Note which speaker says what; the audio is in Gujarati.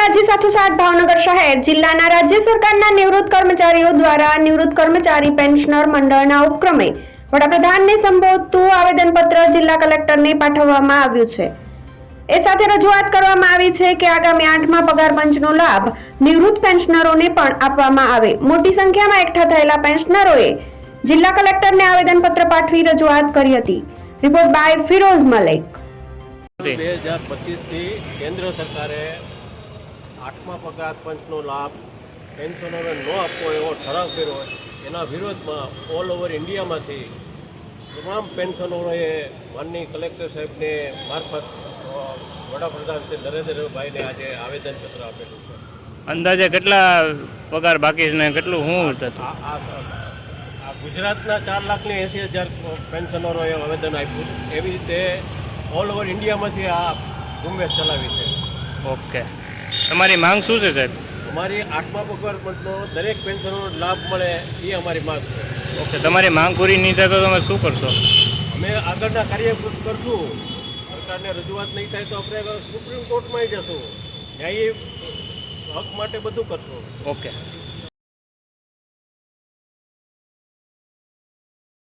Speaker 1: રાજ્ય સાથોસાથ ભાવનગર શહેર જિલ્લાના રાજ્ય સરકારના નિવૃત્ત કર્મચારીઓ દ્વારા નિવૃત્ત કર્મચારી પેન્શનર મંડળના ઉપક્રમે વડાપ્રધાનને સંબોધતું આવેદનપત્ર જિલ્લા કલેક્ટરને પાઠવવામાં આવ્યું છે। એ સાથે રજૂઆત કરવામાં આવી છે કે આગામી 8મા પગાર પંચનો લાભ નિવૃત્ત પેન્શનરોને પણ આપવામાં આવે। મોટી સંખ્યામાં એકઠા થયેલા પેન્શનરોએ જિલ્લા કલેક્ટરને આવેદનપત્ર પાઠવી રજૂઆત કરી હતી। Report by Firoz Malik.
Speaker 2: 2025 થી કેન્દ્ર સરકારે 8મા પગાર પંચનો લાભ પેન્શનરોને ન આપવો એવો ઠરાવ કર્યો હોય એના વિરોધમાં ઓલ ઓવર ઇન્ડિયામાંથી તમામ પેન્શનરોએ માનનીય કલેક્ટર સાહેબને મારફત વડાપ્રધાન શ્રી નરેન્દ્રભાઈને આજે આવેદનપત્ર આપેલું છે।
Speaker 3: અંદાજે કેટલા પગાર બાકી છે ને કેટલું શું હતું?
Speaker 2: આ ગુજરાતના 4,80,000 પેન્શનરોએ આવેદન આપ્યું। એવી રીતે ઓલ ઓવર ઇન્ડિયામાંથી આ ઝુંબેશ ચલાવી છે।
Speaker 3: ઓકે, તમારી માંગ શું છે સાહેબ?
Speaker 2: અમારી 8મા પગાર પંચનો દરેક પેન્શનરનો લાભ મળે એ અમારી માંગ છે।
Speaker 3: ઓકે, તમારી માંગ પૂરી નહીં થાય તો તમે શું કરશો?
Speaker 2: અમે આગળના કાર્ય કરશું। સરકારને રજૂઆત નહીં થાય તો આપણે સુપ્રીમ કોર્ટમાં જશું, ન્યાયી હક માટે બધું કરશું।
Speaker 3: ઓકે।